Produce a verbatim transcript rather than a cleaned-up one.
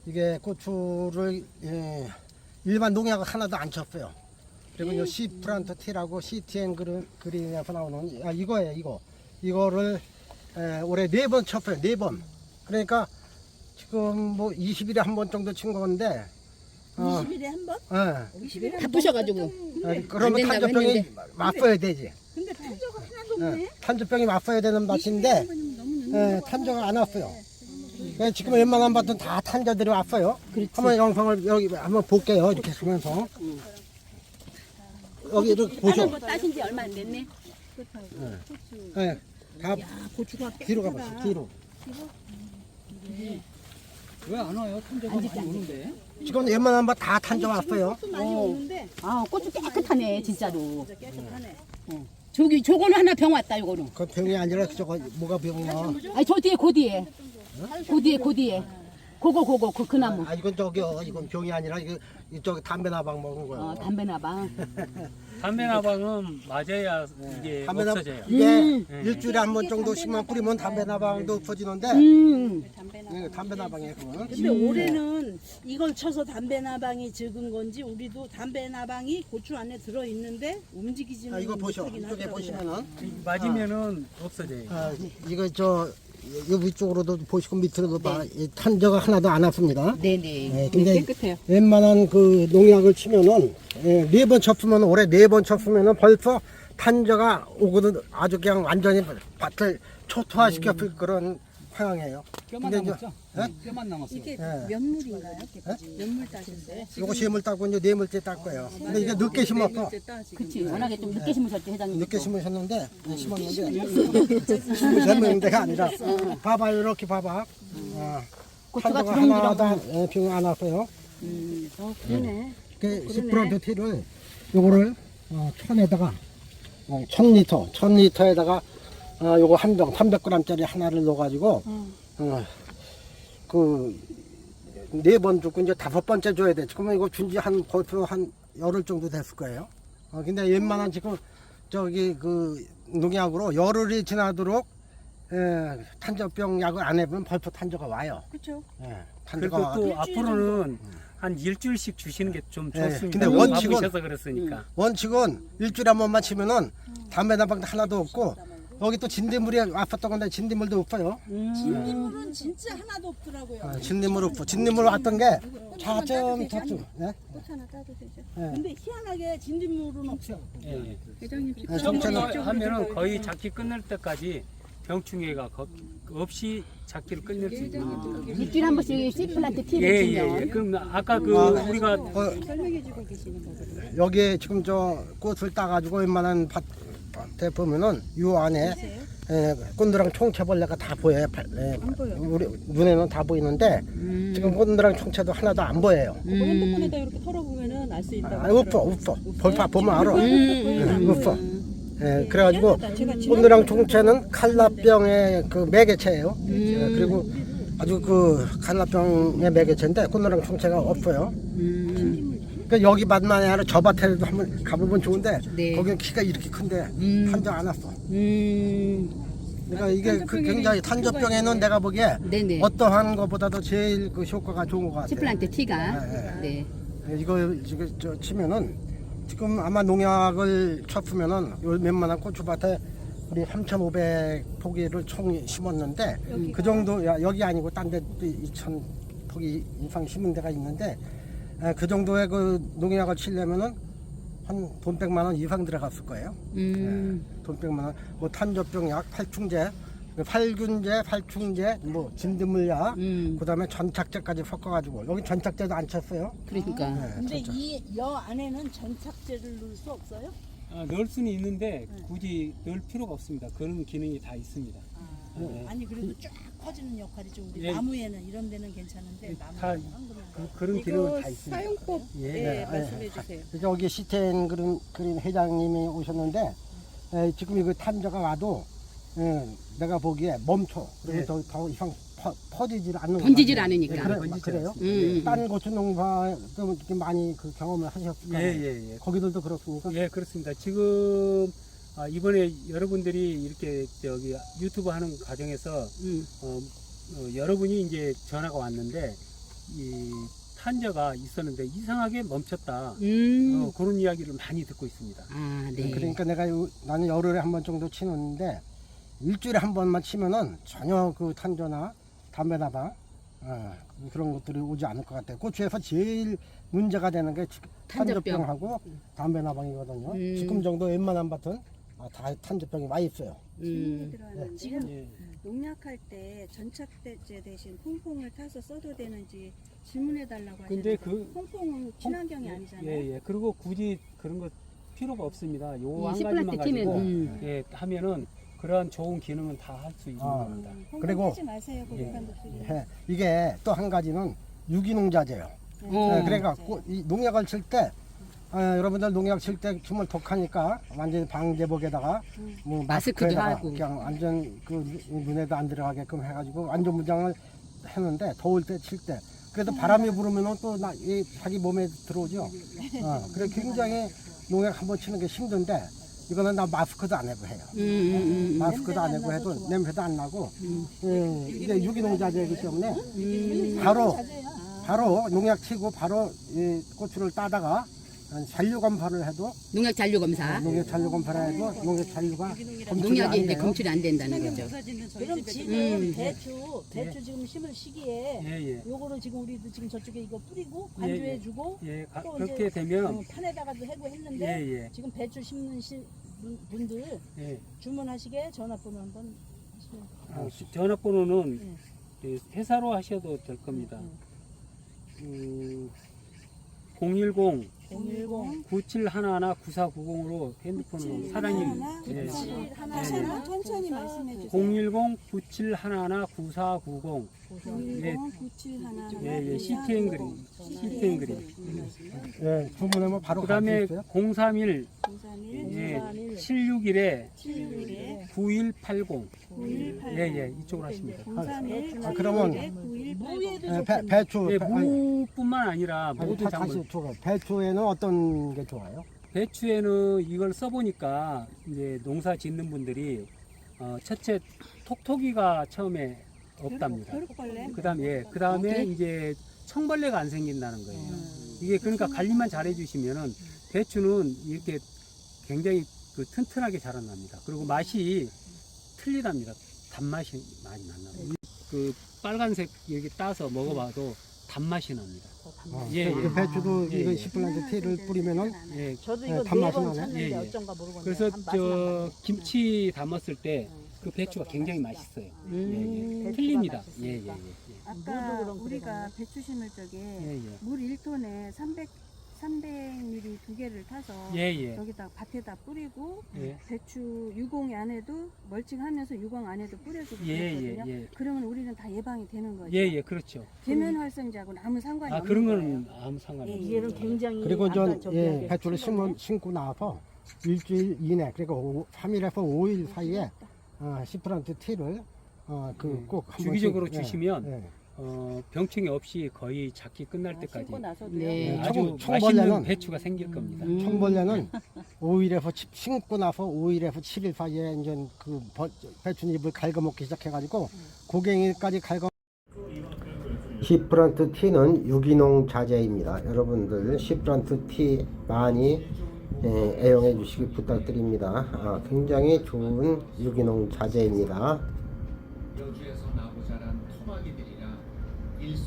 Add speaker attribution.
Speaker 1: 이게 고추를 예, 일반 농약 하나도 안 쳤어요. 그리고 요 시프란트 T라고 씨티엔 그린, 그린에서 나오는 아 이거예요. 이거 이거를 에, 올해 네 번 쳤어요. 네 번. 그러니까 지금 뭐 이십 일에 한 번 정도 친 건데 어,
Speaker 2: 이십 일에 한 번?
Speaker 1: 예.
Speaker 2: 이십 일에 한 번?
Speaker 3: 바쁘셔가지고.
Speaker 1: 아, 그러면
Speaker 3: 된다고
Speaker 1: 탄저병이
Speaker 3: 했는데.
Speaker 1: 맞서야 되지.
Speaker 2: 근데 탄저가 하나도 없네.
Speaker 1: 예, 탄저병이 맞서야 되는 밭인데 예, 탄저가 안 왔어요. 예, 지금 웬만한 밭은 다 탄저들이 왔어요. 한번 영상을 여기 한번 볼게요. 이렇게 보면서 여기 이렇게 보죠.
Speaker 3: 거 따신 지 얼마 안 됐네.
Speaker 1: 예, 다
Speaker 2: 고추가
Speaker 1: 뒤로 가보세요. 뒤로.
Speaker 4: 왜 안 와요? 탄저가 많이 오는데.
Speaker 1: 지금 웬만한 밭 다 탄저 왔어요.
Speaker 2: 많이 오는데
Speaker 3: 아, 고추 깨끗하네, 진짜로.
Speaker 2: 진짜 깨끗하네.
Speaker 3: 저기, 저거는 하나 병 왔다, 요거는.
Speaker 1: 그 병이 아니라 저거 뭐가 병이야?
Speaker 3: 아니, 저 뒤에, 그 뒤에. 그 뒤에, 그 뒤에. 그거, 그거, 그, 그 나무.
Speaker 1: 아 이건 저기요. 이건 병이 아니라 이거 이쪽 담배 나방 먹은 거예요.
Speaker 3: 어, 담배나방.
Speaker 4: 담배나방은 맞아야 이게
Speaker 1: 담배 나
Speaker 4: 없어져요.
Speaker 1: 이게
Speaker 3: 음.
Speaker 1: 일주일에 한 번 정도씩만 뿌리면 담배 나방도 없어지는데
Speaker 3: 음.
Speaker 1: 예, 담배 나방이에요. 그건.
Speaker 2: 근데 올해는 이걸 쳐서 담배 나방이 적은 건지 우리도 담배 나방이 고추 안에 들어 있는데 움직이지는
Speaker 1: 아, 이거 보셔.
Speaker 2: 못하긴
Speaker 1: 이쪽에
Speaker 2: 하더라고요.
Speaker 1: 보시면은
Speaker 4: 맞으면은 없어져요.
Speaker 1: 아, 이거 저 이 위쪽으로도 보시고 밑으로도 봐. 이 탄저가 하나도 안 왔습니다.
Speaker 3: 네네.
Speaker 1: 예, 근데
Speaker 3: 깨끗해요.
Speaker 1: 웬만한 그 농약을 치면은 예, 네 번 쳤으면 올해 네 번 쳤으면은 벌써 탄저가 오거든. 아주 그냥 완전히 밭을 초토화시켰을 그런 상황이에요.
Speaker 4: 뼈만
Speaker 1: 근데 이제-
Speaker 4: 남았죠?
Speaker 1: 예?
Speaker 4: 뼈만 남았어요.
Speaker 2: 이게
Speaker 1: 예.
Speaker 2: 몇물인가요? 몇물 따신데?
Speaker 1: 요거 세물 따고 이제 네 물째 딸 거예요. 근데 이게 늦게 심었어.
Speaker 3: 그치. 워낙에 좀 늦게 심으셨죠, 회장님.
Speaker 1: 늦게 심으셨는데 심었는데 심으셨는 데가 아니라 봐봐요. 이렇게 봐봐. 어,
Speaker 3: 고추가
Speaker 1: 탄저가
Speaker 3: 주렁주렁.
Speaker 1: 하나도 병 안 왔어요.
Speaker 3: 음.
Speaker 2: 어 그러네.
Speaker 1: 그 십 퍼센트 티를 요거를 어, 천에다가 어, 천 리터, 천 리터에다가 어, 요거 한 병, 삼백 그램짜리 하나를 넣어가지고 어, 그 네 번 주고 이제 다섯 번째 줘야 돼. 지금 이거 준지 한 벌써 한 열흘 정도 됐을 거예요. 어, 근데 웬만한 지금 저기 그 농약으로 열흘이 지나도록 예, 탄저병 약을 안 해보면 벌써 탄저가 와요.
Speaker 2: 그렇죠.
Speaker 1: 예, 탄저가
Speaker 4: 그리고
Speaker 1: 와.
Speaker 4: 또 앞으로는 한 일주일씩 주시는 게 좀
Speaker 1: 예,
Speaker 4: 좋습니다.
Speaker 1: 근데
Speaker 4: 너무
Speaker 1: 원칙은-
Speaker 4: 바쁘셔서 그랬으니까.
Speaker 1: 원칙은 일주일에 한 번만 치면은 담배 나방도 하나도 없고 여기 또 진딧물이 왔었던 건데 진딧물도 없어요.
Speaker 2: 진딧물은 진짜 하나도 없더라고요.
Speaker 1: 아, 진딧물 없고 진딧물 왔던 게 자점 탑수. 예?
Speaker 2: 꽃 하나 따도 되죠.
Speaker 1: 예.
Speaker 2: 근데 희한하게 진딧물은 없어.
Speaker 4: 예, 예.
Speaker 1: 예,
Speaker 4: 정도
Speaker 1: 정체는
Speaker 4: 하면은 거의 작기 끝날 때까지 병충해가 거- 없이 작기를 끝낼 수 있는.
Speaker 3: 일주일에 한 번씩 씨플란트 티를
Speaker 4: 예,
Speaker 3: 주면.
Speaker 4: 예, 예. 그럼 아까 그
Speaker 1: 아,
Speaker 4: 우리가
Speaker 1: 어,
Speaker 2: 설명해주고 계시는 거거든요.
Speaker 1: 여기에 지금 저 꽃을 따가지고 웬만한 밭, 밭에 보면은 요 안에 예, 꼰드랑 총채벌레가 다 보여요. 발- 예, 우리 눈에는 다 보이는데 지금 꼰드랑 총채도 하나도 안 보여요.
Speaker 2: 뭐 핸드폰에다 이렇게 털어보면은 알 수 있다고.
Speaker 1: 아, 없어, 없어. 벌써 보면 알아.
Speaker 3: 음.
Speaker 1: 예, 없어. 예, 그래가지고
Speaker 2: 희한하다. 제가
Speaker 1: 꼰드랑 총채는 칼라병의 그 매개체예요. 예, 그리고 아주 그 칼라병의 매개체인데 꼰드랑 총채가 없어요. 그러니까 여기 밭만 아니라 저 밭에도 한번 가보면 좋은데
Speaker 3: 네.
Speaker 1: 거기는 키가 이렇게 큰데 탄저 안 왔어.
Speaker 3: 음.
Speaker 1: 그러니까 이게 그 굉장히 탄저병에는 내가 보기에
Speaker 3: 네네.
Speaker 1: 어떠한 것보다도 제일 그 효과가 좋은 것 같아요.
Speaker 3: 씨플란트 티가.
Speaker 1: 네,
Speaker 3: 네.
Speaker 1: 예, 이거 지금 저 치면은 지금 아마 농약을 쳤으면은 요 웬만한 고추밭에 우리 삼천오백 포기를 총 심었는데 그 정도 야, 여기 아니고 딴 데도 이천 포기 이상 심은 데가 있는데 에, 그 정도의 그 농약을 치려면은 한 돈 백만 원 이상 들어갔을 거예요.
Speaker 3: 음.
Speaker 1: 돈 백만 원. 뭐 탄저병약, 팔충제, 팔균제, 팔충제, 뭐 진드물약,
Speaker 3: 음.
Speaker 1: 그다음에 전착제까지 섞어가지고 여기 전착제도 안 쳤어요.
Speaker 3: 그러니까.
Speaker 1: 네,
Speaker 2: 근데
Speaker 1: 전착.
Speaker 2: 이 여 안에는 전착제를 넣을 수 없어요?
Speaker 4: 아, 넣을 수는 있는데 굳이 넣을 필요가 없습니다. 그런 기능이 다 있습니다. 네.
Speaker 2: 아니 그래도 쫙 커지는 역할이죠. 우리
Speaker 4: 예.
Speaker 2: 나무에는 이런 데는 괜찮은데
Speaker 4: 다
Speaker 2: 나무는 안 그러면.
Speaker 4: 그, 그런 기능은 다 있습니다.
Speaker 2: 사용법
Speaker 1: 예,
Speaker 2: 예,
Speaker 1: 예,
Speaker 2: 말씀해
Speaker 1: 예.
Speaker 2: 주세요.
Speaker 1: 그래서 여기 시텐 그린, 그린 회장님이 오셨는데 에, 지금 이거 탄저가 와도 에, 내가 보기에 멈춰. 그리고
Speaker 4: 예.
Speaker 1: 더, 더 이상 퍼, 퍼지질 않는 것
Speaker 3: 번지질
Speaker 1: 같아요.
Speaker 3: 않으니까.
Speaker 1: 예, 그래,
Speaker 4: 번지질
Speaker 1: 그래요?
Speaker 4: 않습니다.
Speaker 3: 음.
Speaker 1: 딴 고추 농사도 이렇게 많이 그 경험을 하셨을
Speaker 4: 예,
Speaker 1: 거예요.
Speaker 4: 예, 예.
Speaker 1: 거기들도 그렇습니까?
Speaker 4: 예, 그렇습니다. 지금 아, 이번에 여러분들이 이렇게 저기 유튜브 하는 과정에서
Speaker 3: 음.
Speaker 4: 어, 어, 여러분이 이제 전화가 왔는데 이 탄저가 있었는데 이상하게 멈췄다.
Speaker 3: 음.
Speaker 4: 어, 그런 이야기를 많이 듣고 있습니다.
Speaker 3: 아, 네.
Speaker 1: 그러니까 내가 요- 나는 열흘에 한 번 정도 치는데 일주일에 한 번만 치면은 전혀 그 탄저나 담배나방 어, 그런 것들이 오지 않을 것 같아요. 고추에서 제일 문제가 되는 게
Speaker 3: 탄저병.
Speaker 1: 탄저병하고 담배나방이거든요.
Speaker 3: 음.
Speaker 1: 지금 정도 웬만한 밭은 아, 다 탄저병이 많이 있어요.
Speaker 3: 음.
Speaker 2: 들어왔는데
Speaker 5: 지금
Speaker 4: 예.
Speaker 5: 농약할 때 전착대제 대신 퐁퐁을 타서 써도 되는지 질문해 달라고
Speaker 4: 근데
Speaker 5: 하셨는데
Speaker 4: 그
Speaker 5: 퐁퐁은 친환경이 아니잖아요.
Speaker 4: 예, 예. 그리고 굳이 그런 거 필요가 없습니다. 요
Speaker 3: 이
Speaker 4: 한
Speaker 3: 시플라스
Speaker 4: 가지만
Speaker 3: 팀은,
Speaker 4: 가지고
Speaker 3: 음.
Speaker 4: 예, 하면은 그러한 좋은 기능은 다 할 수 있는
Speaker 1: 아.
Speaker 4: 겁니다.
Speaker 5: 음, 퐁퐁
Speaker 1: 그리고-
Speaker 5: 하지 마세요. 고객한 독수리.
Speaker 1: 예, 이게 또 한 가지는 유기농자재예요.
Speaker 3: 어.
Speaker 1: 예, 그러니까 고- 이 농약을 칠 때 아, 여러분들 농약 칠 때 정말 독하니까 완전히 방제복에다가 뭐
Speaker 3: 마스크도
Speaker 1: 마스크에다가
Speaker 3: 하고.
Speaker 1: 그냥 완전 그 눈- 눈에도 안 들어가게끔 해가지고 완전 무장을 했는데 더울 때 칠 때 그래도 바람이 불으면은 또 나, 이 자기 몸에 들어오죠. 어, 그래 굉장히 농약 한번 치는 게 힘든데 이거는 나 마스크도 안 해고 해요.
Speaker 3: 음, 음, 음.
Speaker 1: 마스크도 안 해고 해도 냄새도 안 나고 예, 이게 유기농자재이기 때문에 바로 바로 농약 치고 바로 이 고추를 따다가 잔류 검사를 해도
Speaker 3: 농약 잔류 검사.
Speaker 1: 농약 잔류 검사를 해도 농약 잔류가 검출이
Speaker 3: 농약이
Speaker 1: 안
Speaker 3: 이제
Speaker 1: 돼요.
Speaker 3: 검출이 안 된다는 거죠.
Speaker 2: 그럼 지금
Speaker 3: 음.
Speaker 2: 배추 배추 지금 심을 시기에
Speaker 4: 예, 예.
Speaker 2: 요거를 지금 우리도 지금 저쪽에 이거 뿌리고 관조해주고
Speaker 4: 예, 가-
Speaker 2: 또
Speaker 4: 그렇게
Speaker 2: 이제
Speaker 4: 되면
Speaker 2: 어, 판에다가도 해고 했는데
Speaker 4: 예, 예.
Speaker 2: 지금 배추 심는 시, 분- 분들
Speaker 4: 예.
Speaker 2: 주문하시게 전화번호 한번 하시면
Speaker 4: 아, 전화번호는 예, 회사로 하셔도 될 겁니다. 음, 공일공
Speaker 2: 공일공
Speaker 4: 구칠일일 구사구공으로 핸드폰으로 사장님 예.
Speaker 5: 하나 하나 천천히 말씀해 주세요.
Speaker 4: 공일공 구칠일일 구사구공
Speaker 5: 공일공 구칠하나
Speaker 4: 예, 예, 씨티엔 그림 씨티엔 그림
Speaker 1: 예, 주문하면 바로
Speaker 4: 그
Speaker 1: 갈
Speaker 4: 다음에
Speaker 1: 수 있어요.
Speaker 4: 공삼일
Speaker 5: 공삼일
Speaker 4: 예, 칠육일에
Speaker 5: 칠육일에
Speaker 4: 구일팔공
Speaker 5: 구일팔
Speaker 4: 예, 예, 이쪽으로 하십니다.
Speaker 5: 공삼일
Speaker 1: 아, 그러면
Speaker 2: 무에도
Speaker 1: 예, 배,
Speaker 2: 좋겠네.
Speaker 1: 배추
Speaker 4: 예,
Speaker 1: 배, 아니,
Speaker 4: 무뿐만 아니라
Speaker 1: 아니,
Speaker 4: 모든
Speaker 1: 다,
Speaker 4: 작물
Speaker 1: 다시 줘. 배추에는 어떤 게 좋아요?
Speaker 4: 배추에는 이걸 써보니까 이제 농사 짓는 분들이 어, 첫째 톡톡이가 처음에 없답니다.
Speaker 5: 벼룩벌레
Speaker 4: 그 다음에 예, 그 다음에 이제 청벌레가 안 생긴다는 거예요. 이게 그러니까 관리만 잘 해주시면은 배추는 이렇게 굉장히 그 튼튼하게 자라납니다. 그리고 맛이 틀리답니다. 단맛이 많이 난답니다. 그 빨간색 이렇게 따서 먹어봐도 단맛이 납니다.
Speaker 1: 어,
Speaker 4: 예,
Speaker 1: 그
Speaker 4: 예.
Speaker 1: 배추도
Speaker 4: 예,
Speaker 1: 이거
Speaker 4: 예.
Speaker 1: 시플란트 티를 뿌리면은
Speaker 4: 예,
Speaker 2: 저도
Speaker 1: 예,
Speaker 2: 이거
Speaker 1: 단맛이
Speaker 2: 네 번
Speaker 1: 나네.
Speaker 2: 쳤는데
Speaker 4: 예, 예.
Speaker 2: 어쩐가 모르겠네.
Speaker 4: 그래서
Speaker 2: 한 맛은
Speaker 4: 저
Speaker 2: 나거든요.
Speaker 4: 김치 담았을 때 그 배추가 굉장히 맛있어요. 예, 예. 틀립니다. 예, 예, 예. 예.
Speaker 5: 아까
Speaker 2: 무도 그럼
Speaker 5: 우리가
Speaker 2: 그러잖아요.
Speaker 5: 배추 심을 적에
Speaker 4: 예, 예.
Speaker 5: 물 일 톤에 삼백 밀리리터 두 개를 타서
Speaker 4: 예, 예.
Speaker 5: 여기다 밭에다 뿌리고
Speaker 4: 예.
Speaker 5: 배추 유공 안에도 멀칭하면서 유공 안에도 뿌려주고
Speaker 4: 예,
Speaker 5: 그랬거든요.
Speaker 4: 예, 예.
Speaker 5: 그러면 우리는 다 예방이 되는 거죠.
Speaker 4: 예, 예, 그렇죠.
Speaker 5: 계면 활성제하고는 아무 상관이
Speaker 4: 아,
Speaker 5: 없는
Speaker 4: 그런
Speaker 5: 거예요.
Speaker 4: 거는 아무 상관이 없어요.
Speaker 2: 얘는 굉장히
Speaker 1: 그리고
Speaker 2: 아까
Speaker 1: 전
Speaker 2: 저기
Speaker 1: 예,
Speaker 2: 여기
Speaker 1: 배추를 심어, 심고 나서 일주일 이내 그러니까 오, 삼 일에서 오 일 사이에 어, 시플란트 티를 어, 그
Speaker 4: 예.
Speaker 1: 꼭 한
Speaker 4: 주기적으로
Speaker 1: 번씩, 예,
Speaker 4: 주시면
Speaker 1: 예.
Speaker 4: 어, 병충해 없이 거의 작기 끝날 때까지
Speaker 2: 심고 나서도요.
Speaker 3: 네.
Speaker 4: 예,
Speaker 1: 청-
Speaker 4: 아주
Speaker 1: 청벌레는-
Speaker 4: 맛있는 배추가 생길 겁니다.
Speaker 3: 음.
Speaker 1: 청벌레는 오 일에서 십, 심고 나서 오 일에서 칠 일 사이에 이제 그 버- 배추잎을 갉아먹기 시작해가지고 고갱이까지 갉아. 시프란트 티는 유기농 자재입니다. 여러분들 시프란트 티 많이 예, 애용해 주시기 부탁드립니다. 아, 굉장히 좋은 유기농 자재입니다.